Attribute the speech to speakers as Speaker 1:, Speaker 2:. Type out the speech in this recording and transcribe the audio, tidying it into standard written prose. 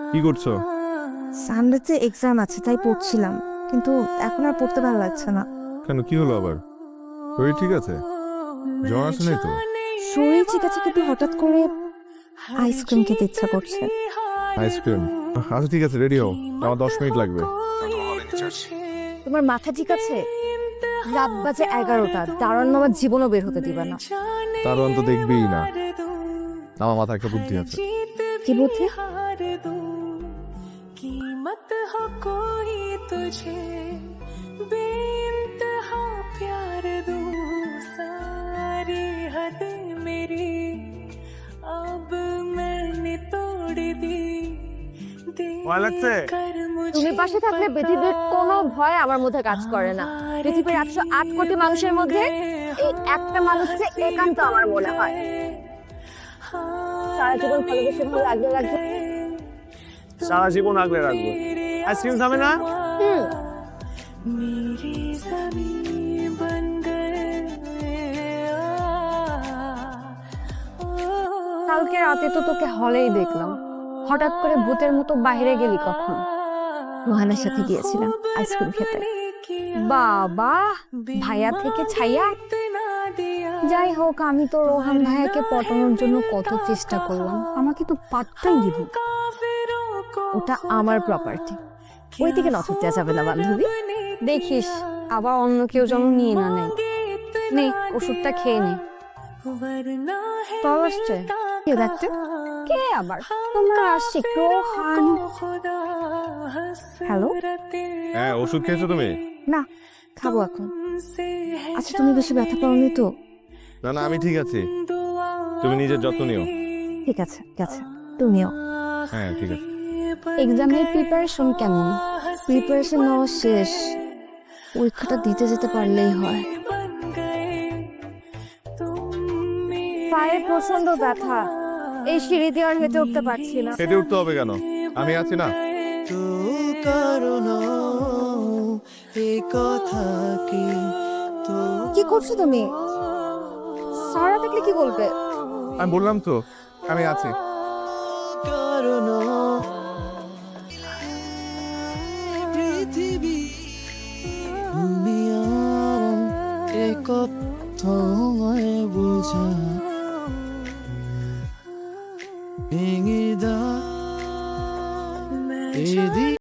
Speaker 1: কি করছো?
Speaker 2: সানডেতে এক্সাম আছে তাই পড়ছিলাম, কিন্তু এখন আর পড়তে ভালো লাগছে না।
Speaker 1: কেন, কি হলো আবার? শরীর ঠিক আছে? জ্বর আসে নাই তো?
Speaker 2: শরীর ঠিক আছে, কিন্তু হঠাৎ করে আইসক্রিম খেতে ইচ্ছা করছে।
Speaker 1: আইসক্রিম? আচ্ছা ঠিক আছে, রেডি হও, আমার 10 মিনিট লাগবে।
Speaker 2: তোমার মাথা ঠিক আছে? রাত বাজে 11টা, দাঁড়ানো আমার জীবনও বের হতে দিবা না।
Speaker 1: তার অন্ত দেখবেই না। আমার মাথায় একটা বুদ্ধি আছে।
Speaker 2: কি বুদ্ধি?
Speaker 3: कीमत हो कोई तुझे बेइंतहा प्यार दूं सारी हद मेरी अब मैंने तोड़ दी
Speaker 1: ভয় লাগছে?
Speaker 2: তুমি পাশে থাকলে পৃথিবীর কোনো ভয় আমার মধ্যে কাজ করে না। পৃথিবীর 108 কোটি মানুষের মধ্যে এই একটা মানুষকে একান্ত আমার মনে হয়। সারা জীবন ভালোবেসে ভালো লাগলে লাগবে।
Speaker 4: সারা জীবন আগলে রাখবো। আইসক্রিম খাবে না?
Speaker 3: मेरी ज़मीं बन गए
Speaker 2: কালকে রাতে তো তোকে হলেই দেখলাম, হঠাৎ করে ভূতের মতো বাইরে গেলি কখন? রোহানের সাথে গিয়েছিলাম আইসক্রিম খেতে। বাবা, ভাইয়া থেকে ছাইয়া। যাই হোক, আমি তো রোহান ভাইয়াকে পটানোর জন্য কত চেষ্টা করলাম, আমাকে তো পাত্তাই দিল। ওটা আমার প্রপার্টি, ওই দিকে নজর দেওয়া যাবে না বান্ধবী। দেখিস আবার অন্য কেউ যেন নিয়ে না নেয়। নে, ওষুধটা খেয়ে নে। তল আসছে কে দেখতে? কে আবার? তোমরা আশিক রোহান। হ্যালো?
Speaker 1: হ্যাঁ, ওষুধ খেয়েছো তুমি?
Speaker 2: না, খাবো এখন। আচ্ছা, তুমি বেশি ব্যথা পাওনি তো?
Speaker 1: না না, আমি ঠিক আছি। তুমি নিজের যত্ন নিও।
Speaker 2: ঠিক আছে ঠিক আছে, তুমিও।
Speaker 1: হ্যাঁ ঠিক আছে।
Speaker 2: এক্সামের প্রিপারেশন কেমন? প্রিপারেশন নেওয়া শেষ, পরীক্ষাটা দিতে যেতে পারলেই হয়। পায়ে প্রচন্ড ব্যথা, এই সিঁড়ি দিয়ে আর হেঁটে উঠতে পারছি না।
Speaker 1: হেঁটে উঠতে হবে কেন? আমি আছি না।
Speaker 5: তো কারণ এ কথা কি তো
Speaker 2: কি করছো তুমি? সারা দেখলে কি বলবে?
Speaker 1: আমি বললাম তো, আমি আছি।
Speaker 5: কারণ পৃথিবী দুনিয়া এ কথায় বোঝা